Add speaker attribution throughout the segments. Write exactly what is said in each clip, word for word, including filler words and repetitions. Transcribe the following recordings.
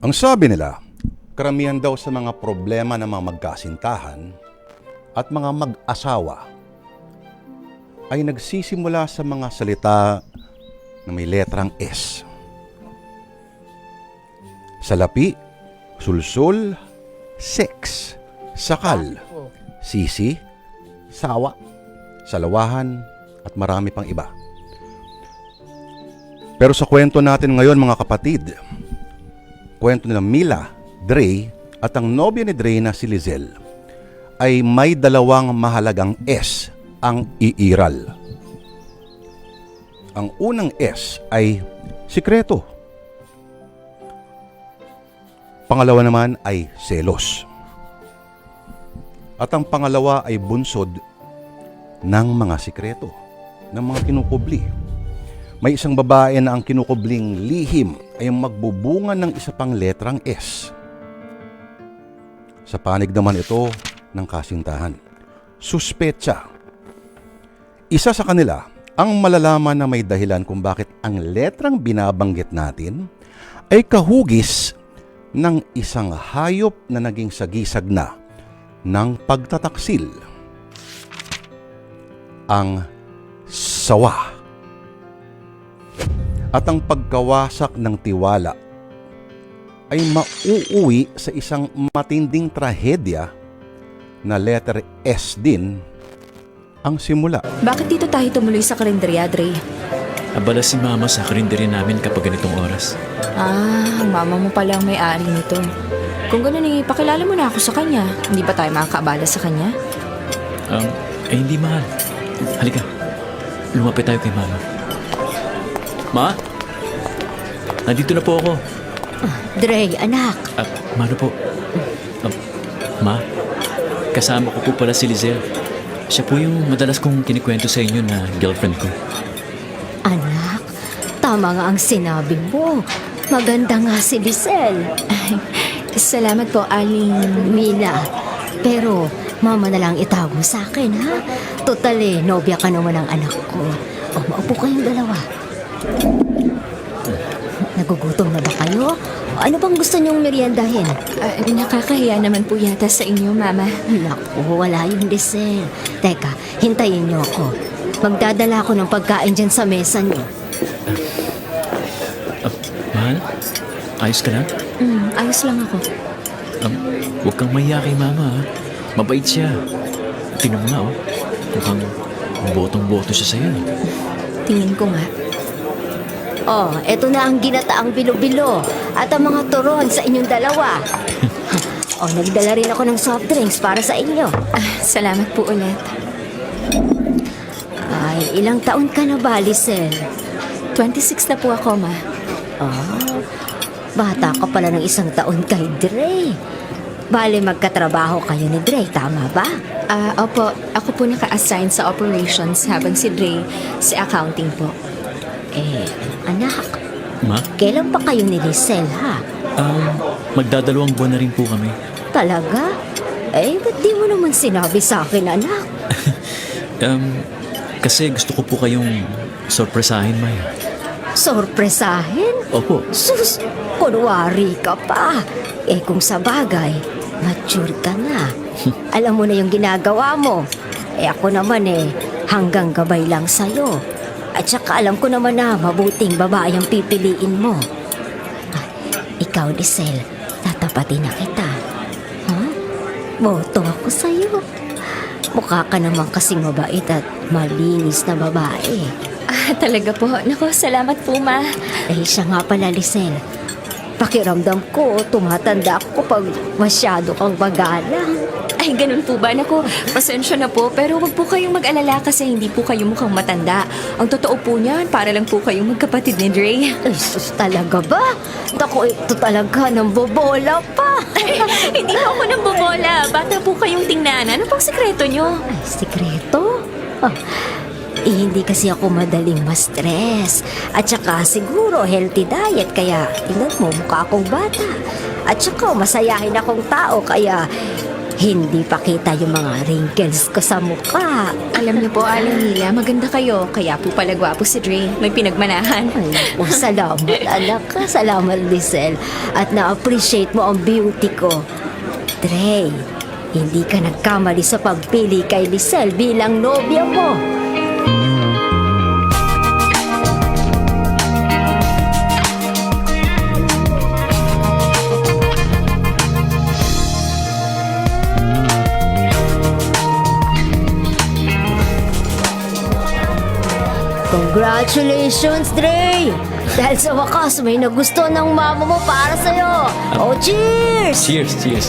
Speaker 1: Ang sabi nila, karamihan daw sa mga problema ng mga magkasintahan at mga mag-asawa ay nagsisimula sa mga salita na may letrang S. Salapi, sulsul, sex, sakal, sisi, sawa, salawahan, at marami pang iba. Pero sa kwento natin ngayon mga kapatid, kwento nila Mila, Dre at ang nobya ni Dre na si Lizelle ay may dalawang mahalagang S ang iiral. Ang unang S ay sikreto. Pangalawa naman ay selos. At ang pangalawa ay bunsod ng mga sikreto, ng mga kinukubli. May isang babae na ang kinukubling lihim ay magbubunga ng isa pang letrang S. Sa panig naman ito ng kasintahan, suspetsa. Isa sa kanila ang malalaman na may dahilan kung bakit ang letrang binabanggit natin ay kahugis ng isang hayop na naging sagisag na ng pagtataksil. Ang sawa. At ang pagkawasak ng tiwala ay mauuwi sa isang matinding trahedya na letter S din ang simula.
Speaker 2: Bakit dito tayo tumuloy sa karinderya, Dre?
Speaker 3: Abala si Mama sa karinderya namin kapag ganitong oras.
Speaker 2: Ah, ang mama mo pala ang may-ari nito. Kung gano'n eh, pakilala mo na ako sa kanya. Hindi ba tayo makakaabala sa kanya?
Speaker 3: Um, eh hindi mahal. Halika, lumapit tayo kay Mama. Ma? Nandito na po ako.
Speaker 4: Dre, anak.
Speaker 3: Ah, Mano po? Um, Ma? Kasama ko po pala si Lizelle. Siya po yung madalas kong kinikwento sa inyo na girlfriend ko.
Speaker 4: Anak, tama nga ang sinabi mo. Maganda nga si Lizelle.
Speaker 2: Ay, salamat po, Aling.
Speaker 4: Mina, pero mama na lang itawag mo sa akin, ha? Total eh, nobya ka naman ng anak ko. O, maupo kayong dalawa. Nagugutom na ba kayo? Ano bang gusto niyong meriendahin?
Speaker 2: Ah, nakakahiya naman po yata sa inyo, Mama.
Speaker 4: Naku, wala yung Lizelle. Teka, hintayin niyo ako. Magdadala ako ng pagkain dyan sa mesa niyo.
Speaker 3: Ah, Mahal? Ayos ka na?
Speaker 2: Mm, ayos lang ako.
Speaker 3: Um, huwag kang mahiya kay Mama, ha? Mabait siya. Tingnan mo nga, oh. Mukhang botong-boto siya sa'yo.
Speaker 2: Tingin ko nga.
Speaker 4: Oh, eto na ang ginataang bilo-bilo at ang mga turon sa inyong dalawa. Oh, nagdala rin ako ng soft drinks para sa inyo.
Speaker 2: Ah, salamat po ulit.
Speaker 4: Ay, ilang taon ka na ba, Lizelle?
Speaker 2: twenty-six na po ako, Ma.
Speaker 4: Oh, bata ka pala ng isang taon kay Dre. Bale, magkatrabaho kayo ni Dre, tama ba?
Speaker 2: Ah, opo, ako po naka-assign sa operations habang si Dre sa accounting po.
Speaker 4: Eh, anak,
Speaker 3: Ma?
Speaker 4: kailan pa kayo ni Lizelle, ha?
Speaker 3: Um, magdadalawang buwan na rin po kami.
Speaker 4: Talaga? Eh, ba't di mo naman sinabi sa akin, anak?
Speaker 3: Um, kasi gusto ko po kayong sorpresahin, May.
Speaker 4: Sorpresahin?
Speaker 3: Opo.
Speaker 4: Sus, kunwari ka pa. Eh kung sa bagay, mature ka na. Alam mo na yung ginagawa mo. Eh ako naman eh, hanggang gabay lang sa'yo. At saka alam ko naman na mabuting babae ang pipiliin mo. Ah, ikaw, Lizelle, tatapatin na kita. Ha? Boto ako sa'yo. Mukha ka naman kasing mabait at malinis na babae.
Speaker 2: Ah, talaga po. Naku, salamat po, Ma.
Speaker 4: Eh, siya nga pala, Lizelle. Pakiramdam ko, tumatanda ako pag masyado kang magalang.
Speaker 2: Ay, ganun po ba? Naku, pasensya na po. Pero wag po kayong mag-alala kasi hindi po kayo mukhang matanda. Ang totoo po niyan, para lang po kayong magkapatid ni Dre.
Speaker 4: Ay, sus, talaga ba? Ako, ito talaga nang bobola pa.
Speaker 2: Hindi po ako nang bobola. Bata po kayong tingnan. Ano pong sekreto nyo?
Speaker 4: Ay, sikreto? Ah, eh, hindi kasi ako madaling ma-stress. At saka siguro healthy diet, kaya tingnan mo, mukha akong bata. At saka masayahin akong tao, kaya Hindi pa kita yung mga wrinkles ko sa mukha.
Speaker 2: Alam niyo po, Aling Mila, maganda kayo. Kaya po pala gwapo si Dre. May pinagmanahan.
Speaker 4: Ay, oh, salamat anak ka. Salamat, Lisel. At na-appreciate mo ang beauty ko. Dre, hindi ka nagkamali sa pagpili kay Lisel bilang nobya mo. Congratulations, Dre! Dahil sa wakas, may nagusto ng mama mo para sa'yo. Oh, cheers!
Speaker 3: Cheers, cheers.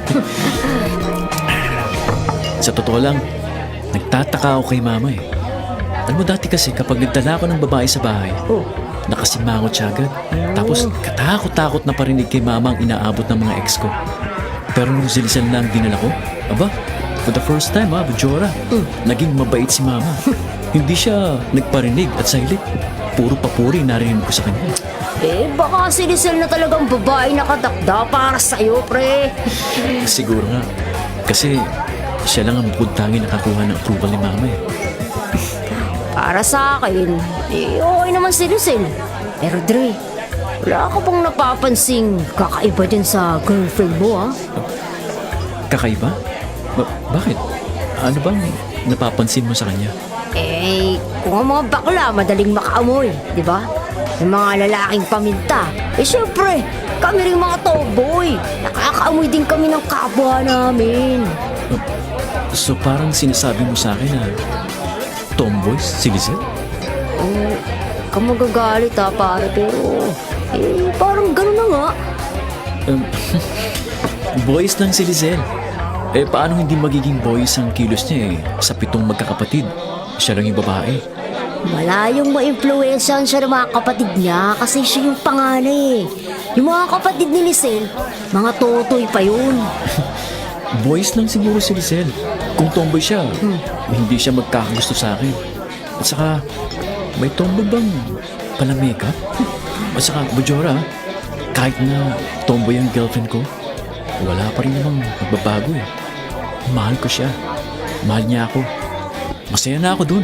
Speaker 3: Sa totoo lang, nagtataka ako kay mama eh. Alam mo dati kasi kapag nagdala ako ng babae sa bahay,
Speaker 4: Oh,
Speaker 3: nakasimangot siya agad. Tapos katakot-takot na parinig kay mama ang inaabot ng mga ex ko. Pero nung silisan na ang dinala ko, aba, for the first time ha, Bajora, naging mabait si mama. Hindi siya nagparinig at silent. Puro papuri narinig ko sa kanya.
Speaker 4: eh, baka si Lisel na talagang babae na katakda para sa'yo, pre.
Speaker 3: Siguro nga. Kasi siya lang ang bukod tangi nakakuha ng approval ni mama eh.
Speaker 4: Para sa akin, eh, okay naman si Lisel. Pero Dre, wala ka bang napapansing kakaiba dyan sa girlfriend mo, ha?
Speaker 3: Kakaiba? Ba- bakit? Ano bang napapansin mo sa kanya?
Speaker 4: Eh, kung ang mga bakla madaling makaamoy, di ba? Yung mga lalaking paminta. Eh, syempre, kami rin mga tomboy. Nakakaamoy din kami ng kapwa namin.
Speaker 3: So parang sinasabi mo sa akin na tomboys si Lizelle?
Speaker 4: Eh, ka magagalit ha, pare, pero... Eh, parang gano'n na nga.
Speaker 3: Um, boys lang si Lizelle. Eh paano hindi magiging boys ang kilos niya eh sa pitong magkakapatid? Siya lang yung babae.
Speaker 4: Malayong ma-influensyahan siya ng mga kapatid niya kasi siya yung panganay eh. Yung mga kapatid ni Lisel, mga totoy pa yun.
Speaker 3: Boys lang siguro si Lizelle. Kung tomboy siya, hindi siya magkakagusto sa akin. At saka, may tomboy bang pala makeup? At saka, Bajora, kahit na tomboy ang girlfriend ko, wala pa rin namang magbabago eh. Mahal ko siya. Mahal niya ako. Masaya na ako dun.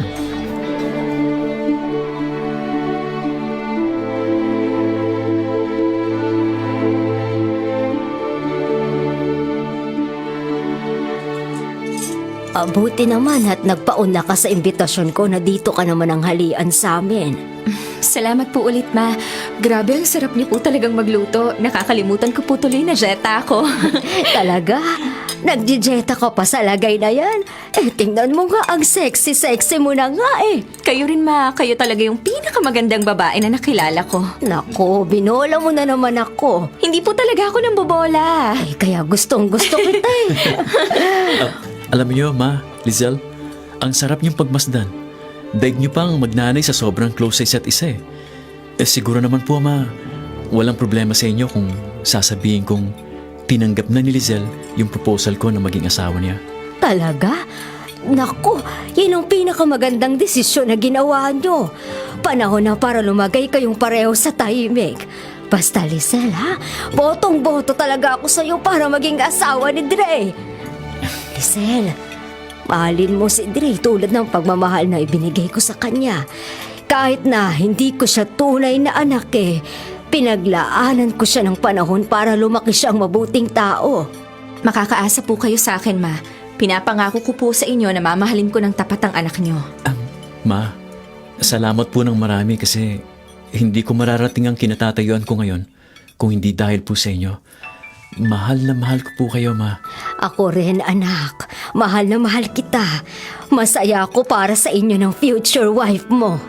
Speaker 4: Abuti naman at nagpauna ka sa imbitasyon ko na dito ka naman ang halian sa amin.
Speaker 2: Salamat po ulit, Ma. Grabe, ang sarap niyo po talagang magluto. Nakakalimutan ko po tuloy na jeta ako.
Speaker 4: Talaga? Nagjijeta ka pa sa lagay na yan? Eh, tingnan mo nga, ang sexy-sexy mo na nga eh.
Speaker 2: Kayo rin, Ma. Kayo talaga yung pinakamagandang babae na nakilala ko.
Speaker 4: Nako, binola mo na naman ako.
Speaker 2: Hindi po talaga ako nang bobola.
Speaker 4: Eh, kaya gustong gusto kita eh.
Speaker 3: Ah, alam niyo, Ma, Lizelle, ang sarap niyong pagmasdan. Daig niyo pang magnanay sa sobrang close sa isa't isa eh. Eh siguro naman po, Ma, walang problema sa inyo kung sasabihin kong tinanggap na ni Lizelle yung proposal ko na maging asawa niya.
Speaker 4: Talaga? Nako, yun ang pinakamagandang desisyon na ginawa nyo. Panahon na para lumagay kayong pareho sa tahimik. Basta, Lisel, ha? Botong-boto talaga ako sa'yo para maging asawa ni Dre. Lisel, mahalin mo si Dre tulad ng pagmamahal na ibinigay ko sa kanya. Kahit na hindi ko siya tunay na anak eh, pinaglaanan ko siya ng panahon para lumaki siyang mabuting tao.
Speaker 2: Makakaasa po kayo sa akin, Ma. Pinapangako ko po sa inyo na mamahalin ko ng tapat ang anak niyo.
Speaker 3: Um, Ma, salamat po ng marami kasi hindi ko mararating ang kinatatayuan ko ngayon kung hindi dahil po sa inyo. Mahal na mahal ko po kayo, Ma.
Speaker 4: Ako rin, anak. Mahal na mahal kita. Masaya ako para sa inyo ng future wife mo.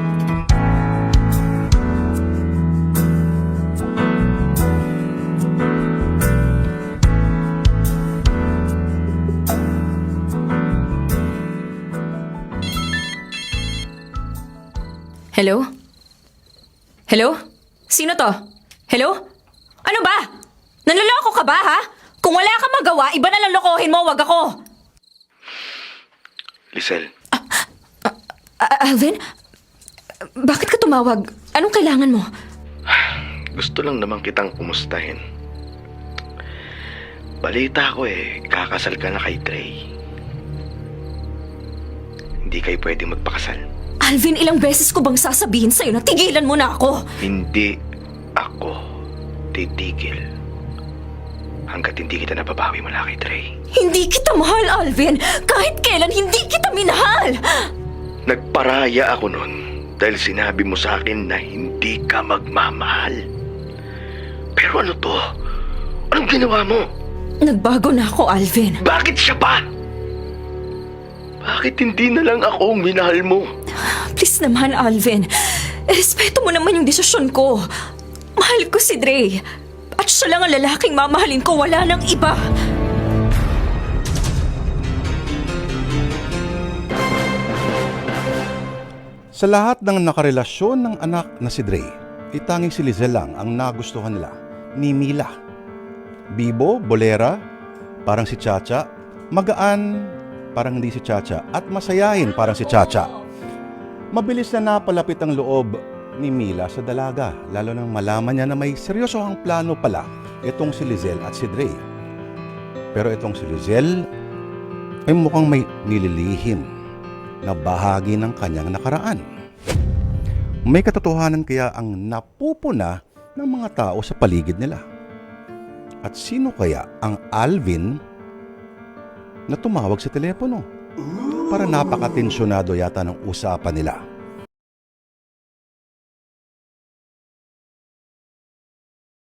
Speaker 2: Hello? Hello? Sino to? Hello? Ano ba? Nanloloko ka ba, ha? Kung wala kang magawa, iba na lang lokohin mo, wag ako.
Speaker 1: Lisel,
Speaker 2: Ah, Alvin? Bakit ka tumawag? Anong kailangan mo?
Speaker 1: gusto lang naman kitang kumustahin.
Speaker 5: Balita ko eh, kakasal ka na kay Trey. Hindi kayo pwedeng magpakasal.
Speaker 2: Alvin, ilang beses ko bang sasabihin sa'yo na tigilan mo na ako?
Speaker 5: Hindi ako titigil hanggat hindi kita nababawi mula kay Trey.
Speaker 2: Hindi kita mahal, Alvin. Kahit kailan, hindi kita minahal.
Speaker 5: Nagparaya ako nun dahil sinabi mo sa akin na hindi ka magmamahal. Pero ano to? Anong ginawa mo?
Speaker 2: Nagbago na ako, Alvin.
Speaker 5: Bakit siya pa? Bakit hindi na lang ako ang minahal mo?
Speaker 2: Please naman, Alvin. Respeto mo naman yung desisyon ko. Mahal ko si Dre. At siya lang ang lalaking mamahalin ko, wala nang iba.
Speaker 1: Sa lahat ng nakarelasyon ng anak na si Dre, itanging si Lizelle lang ang nagustuhan nila ni Mila. Bibo, bolera, parang si Chacha, magaan, parang hindi si Chacha, at masayahin parang si Chacha. Mabilis na napalapit ang loob ni Mila sa dalaga, lalo nang malaman niya na may seryosohang plano pala itong si Lizelle at si Dre. Pero itong si Lizelle ay mukhang may nililihim na bahagi ng kanyang nakaraan. May katotohanan kaya ang napupuna ng mga tao sa paligid nila? At sino kaya ang Alvin na tumawag sa telepono? Para napakatensyonado yata ng usapan nila.